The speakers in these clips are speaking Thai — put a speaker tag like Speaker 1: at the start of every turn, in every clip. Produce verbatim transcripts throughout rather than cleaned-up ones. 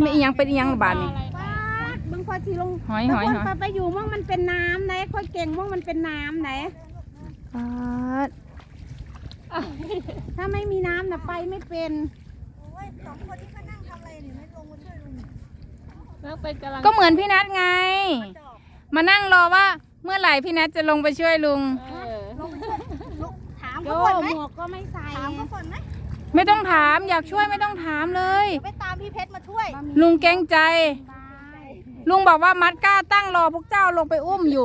Speaker 1: ไม่อีหยังเป็นอีหยังบานนี่
Speaker 2: ป้าบึงพอทีลง
Speaker 1: หอยหอยหอย
Speaker 2: ไปไปอยู่มั่งมันเป็นน้ำไหนค่อยเก่งมั่งมันเป็นน้ำไหน
Speaker 1: ปาด
Speaker 2: ถ้าไม่มีน้ำนะไปไม่เป็น
Speaker 3: สองคนที่เขานั่งทำอะไรเนี่ยไม่ลงมาช่วยลุง
Speaker 4: แล้วเป็นกำลัง
Speaker 1: ก็เหมือนพี่นัทไง มานั่งรอว่าเมื่อไหร่พี่นัทจะลงไปช่วยลุง
Speaker 4: เออ
Speaker 3: ถาม
Speaker 2: โย
Speaker 3: เขาก่อนไหม
Speaker 2: หมวกก็ไม่ใส่
Speaker 3: ถามเขาก่อนไหม
Speaker 1: ไม่ต้องถามอยากช่วยไม่ต้องถามเลย
Speaker 3: เดี๋ยวไปตามพี่เพชรมาช่วย
Speaker 1: ลุงเกรงใจ ลุงบอกว่ามัดก้าตั้งรอพวกเจ้าลงไปอุ้มอยู่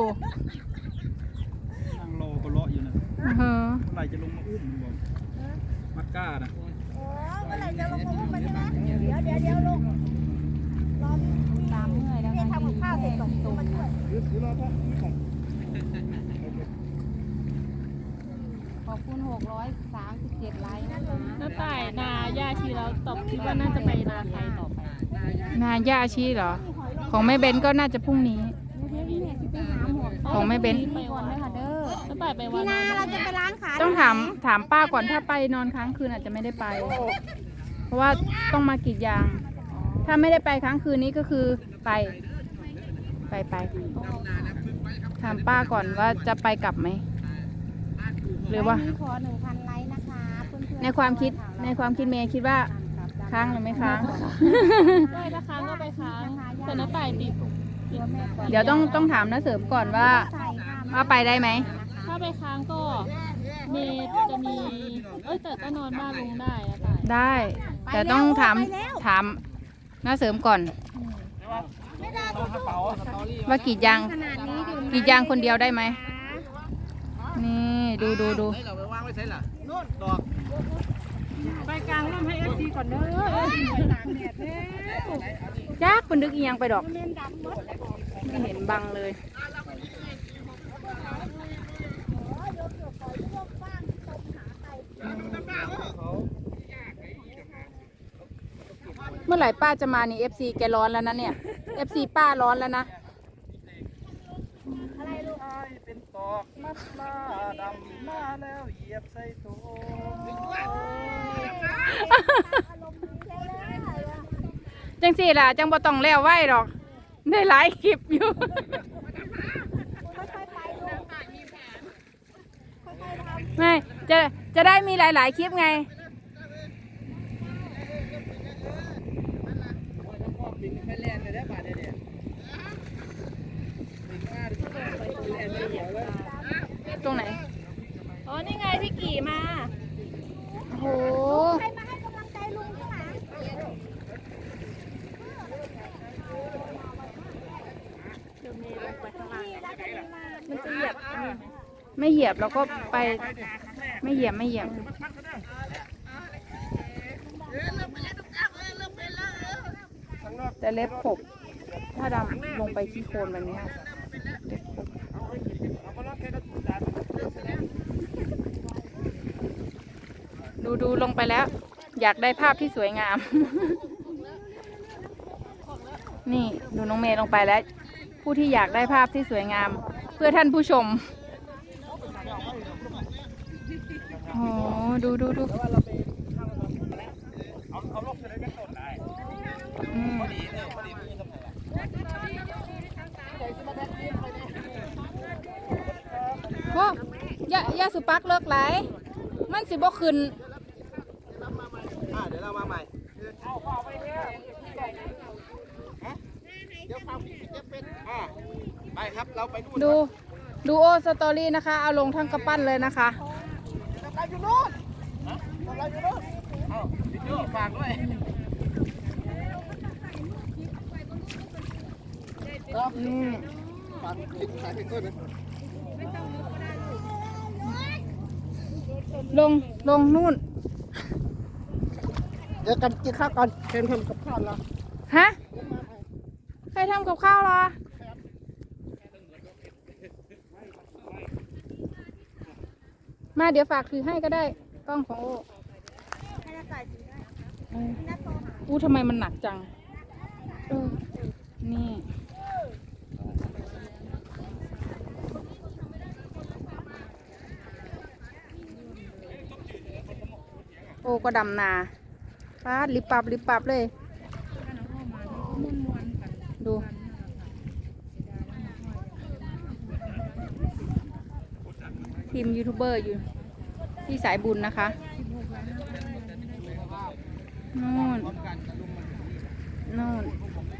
Speaker 5: นั่งรอก็เลาะอยู่นะ
Speaker 1: อือฮะ
Speaker 5: เมื่อไหร่จะลงมาอุ้มลุงบอกมัดก้านะ
Speaker 3: โอ้เมื่อไหร่จะลงมาอุ้มมันใช่ไหมเดี๋ยวเดี๋ยวเดี๋ยวลงรอพี่
Speaker 2: ตามเมื่อยแล้ว
Speaker 3: เพชรทำกับข้าวเสร็จส่งตัวมาช่วย
Speaker 2: ขอบคุณหกร้อยสามสิบเจ็ดไลค์นะคะ
Speaker 4: น้าต่ายนาย่าชีแล้วตอบคิดว่าน่าจะไปนาใครต่อไป
Speaker 1: นาย่าชีเหรอ ของแม่เบนก็น่าจะพรุ่งนี้
Speaker 2: พี่เนี่ยที่ไปหาหมวก
Speaker 1: ของแม่เบน
Speaker 4: ไป
Speaker 2: ก่อน
Speaker 4: วั
Speaker 2: เลยค่ะเด้อ
Speaker 4: น้าต่ายไปวั
Speaker 2: พี่
Speaker 4: น
Speaker 2: นาเราจะไปร้านขาย
Speaker 1: ต้องถามถามป้าก่อนถ้าไปนอนค้างคืนอาจจะไม่ได้ไป เพราะว่าต้องมากรีดยาง ถ้าไม่ได้ไปค้างคืนนี้ก็คือไป ไปไปถามป้าก่อนว่าจะไปกลับไหม หรือว่า
Speaker 2: ไลค์นี้ขอหนึ่งพันไลค์นะคะเพื่อนๆ
Speaker 1: ในความคิดในความคิดเมย์คิดว่าค้างหรือไม่ค้าง
Speaker 4: ด้วยถ้าค้างก็ไปค้างแต่น้าต่ายติด
Speaker 1: เดี๋ยวต้องต้องถามนะเสริมก่อนว่า
Speaker 2: ใส่ค่ะ
Speaker 1: ว่าไปได้ไหม
Speaker 4: ถ้าไปค้างก็เมย์จะมี เอ้ยแต่ก็นอนบ้านลุงได้น้าต่าย
Speaker 1: ได้ แต่ต้องถามถามนะเสริมก่อน ว่ากรีดยาง
Speaker 2: ขนาดนี้ดื่ม
Speaker 1: กรีดยางคนเดียวได้ไหม นี่ดูดูดู
Speaker 5: เราไปวางไว้ใช่ล่ะโน่นดอก
Speaker 2: ไปกลางร่มให้เอฟซีก่อนเด้อเอฟซีตากแดดเด้อ
Speaker 1: จักเป็นดึกอีหยังไปดอก
Speaker 2: เล่นดำหมด
Speaker 1: ไม่เห็นบังเลย เมื่อไหร่ป้าจะมานี่ เอฟ ซี แกร้อนแล้วนะเนี่ย เอฟ ซี ป้าร้อนแล้วนะ
Speaker 5: เป็นตอกมัดมาดำมาแล้วเหยียบใส่ตัว
Speaker 1: จังสี่ล่ะ จังบ่ต้องแล้วไหวหรอก ได้หลายคลิปอยู่ ไม่ จะ จะได้มีหลาย ๆ คลิปไง ตรงไหน
Speaker 4: อ๋อ นี่ไงพี่กี่มา
Speaker 1: โอ้โห
Speaker 3: ใครมาให้กำลังใจลุงข้างหลัง
Speaker 4: มันจะเหยียบอันนี้ไหม
Speaker 1: ไม่เหยียบเราก็ไป ไม่เหยียบไม่เหยียบ แต่เล็บขบ ถ้าดำลงไปที่โคลนแบบนี้ค่ะเล็บขบดูดูลงไปแล้ว อยากได้ภาพที่สวยงาม นี่ดูน้องเมย์ลงไปแล้ว ผู้ที่อยากได้ภาพที่สวยงาม เพื่อท่านผู้ชม โอ้ดูดูดูอืมโอ้ยายาสุปักเลิกไหลายมันสิบ่ขึ้น
Speaker 5: อ่าเดี๋ยวเรามาใหม่เดี๋ยวฟังพี่จะเป็นอ่าไปครับเราไปนู่น
Speaker 1: ดูดูโอสตอรี่นะคะ เอาลงทั้งกระปั้นเลยนะคะ
Speaker 5: เราอยู่นู่นเราอยู่นู่นเอ้าพี่โจ้ฝากด้วย
Speaker 1: อืม
Speaker 5: ฝากคลิปสายเพลงด้วยนะ
Speaker 1: ลงลงนู่น
Speaker 5: เดี๋ยวกันกินข้าวก่อนเค็มทำกับข้าวแล้ว
Speaker 1: ฮะ ใครทำกับข้าวเหรอ มาเดี๋ยวฝากถือให้ก็ได้ กล้องของโอ้เอออู้ทำไมมันหนักจังเออนี่ โอ้ก็ดำนาฟาดลิบปับลิบปับเลยทีมยูทูบเบอร์อยู่ที่สายบุญนะคะนู่นนู่น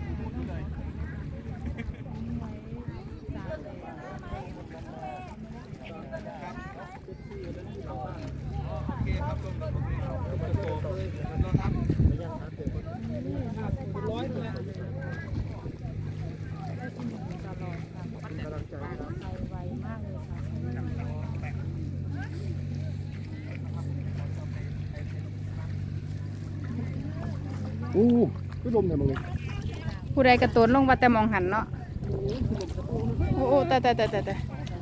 Speaker 5: อู้ก็ดมเนี่ยมึง
Speaker 1: ผู้ใดกระโตนลงว่าแต่มองหันเนาะโอ้โอ้แต่แต่แต่แต่แต่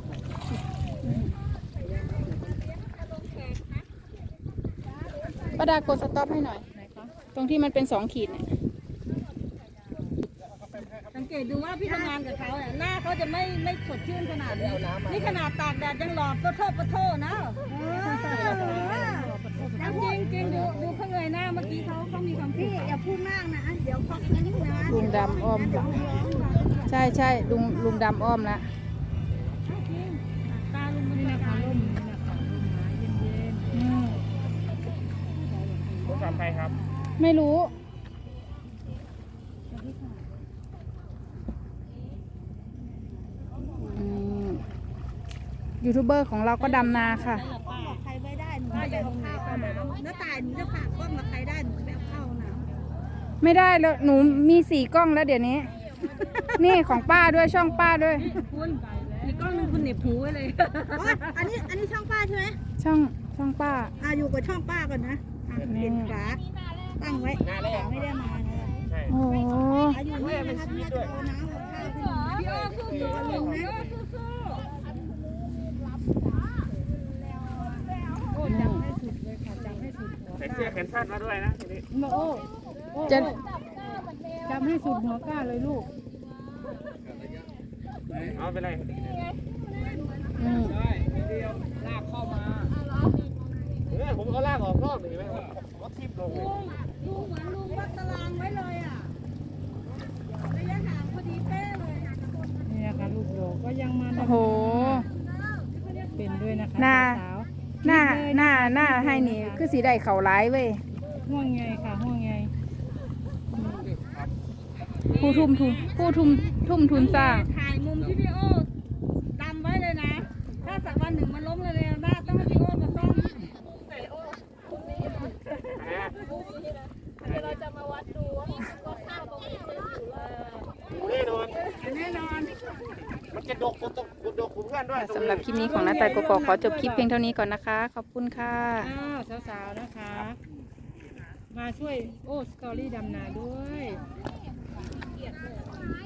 Speaker 1: ป้าดากดสต็อปให้หน่อยตรงที่มันเป็นสองขีดเนี่ย
Speaker 3: สังเกตดูว่าพี่ทำงานกับเขาเนี่ยหน้าเขาจะไม่ไม่สดชื่นขนาดนี้นี่ขนาดตากแดดยังหลอดก็โทษก็โทษนะจริงจริงดูดูเขาเงยหน้าเมื่อกี้เขาเขามีคำพูดอย่าพูดมากนะเดี๋ยวเขาคิ้วนะ
Speaker 1: ลุงดำอ้อมใช่ใช่ลุงลุงดำอ้อมละ
Speaker 3: ตาลุงมัน
Speaker 2: นี่
Speaker 3: ตา
Speaker 2: นะคะร่มนี่นะคะร่มไม้เย็น
Speaker 1: อืม
Speaker 5: รถสามใครครับ
Speaker 1: ไม่รู้อืมยูทูบเบอร์ของเราก็ดำนาค่ะ
Speaker 3: บอกใครไม่ได้หนูจะเอาข้าวเข้าน้ำแล้วตายหนูจะฝากกล้องกับใครได้หนูจะเอาข้าวน้
Speaker 1: ไม่ได้แล้วหนูมีสี่กล้องแล้วเดี๋ยวนี้ นี่ของป้าด้วยช่องป้าด้วย
Speaker 3: ำคุณมีกล้องนึงคุณเหน็บหูไว้เลยอันนี้อันนี้ช่องป้าใช่ไหม
Speaker 1: ช่องช่องป้า
Speaker 3: อ่าอยู่กับช่องป้าก่อนนะอ่ะเปลี่ยนฝาตั้งไว้ไม่ได้มานะ
Speaker 5: ใช่
Speaker 1: โอ้โห
Speaker 3: อายุนี่นะคะที่จะเอาน้ำกับข้าวขึ้นมาพี่อ้อสู้อยู่กับลุงนะ
Speaker 2: ๆโอ้จับให้สุดเลยค่ะจับให้สุดหัว
Speaker 5: ใส่เสื้อแขนสั้นมาด้วยนะทีนี้
Speaker 2: มาโอ้โอ้
Speaker 1: จะ
Speaker 2: จับให้สุดหัวก้าเลยลูก
Speaker 5: เอาไปเลย
Speaker 1: อืม
Speaker 5: ลากเข้ามาเออผมก็ลากออกรอบเลยเห็นไหมรถทิ่มลงเลย
Speaker 3: ลุงเหมือนลุงวัดตารางไว้เลยอ่ะระยะห่างพอดีเป๊ะเลย
Speaker 2: นี่นะคะลูกโลก็ยังมา
Speaker 1: โอ้โห
Speaker 2: เป็นด้วยนะคะ
Speaker 1: หน้า
Speaker 2: สาว
Speaker 1: หน้าหน้าหน้าให้นี่คือสีได้เข่าร้ายเว้ย
Speaker 2: ๆห่วงไงค่ะห่วงไง
Speaker 1: ผู้ทุ่มทุนผู้ทุ่มทุ่มทุนสร้าง
Speaker 3: ถ่ายมุมที่พี่โอ้ดำไว้เลยนะ ถ้าสักวันหนึ่งมันล้มเลยเลยนะต้องให้พี่โอ้มาซ่อม
Speaker 5: แน่นอน
Speaker 3: แน่นอน
Speaker 5: มันจะดกผมต้องดกผมเพื่อนด้วย
Speaker 1: สำหรับคลิปนี้ของน้าแต่กกอกขอจบคลิปเพียงเท่านี้ก่อนนะคะ ขอบคุณค่ะ
Speaker 2: อ้าวสาวๆนะคะ มาช่วยโอ้สตอรี่ดำนาด้วย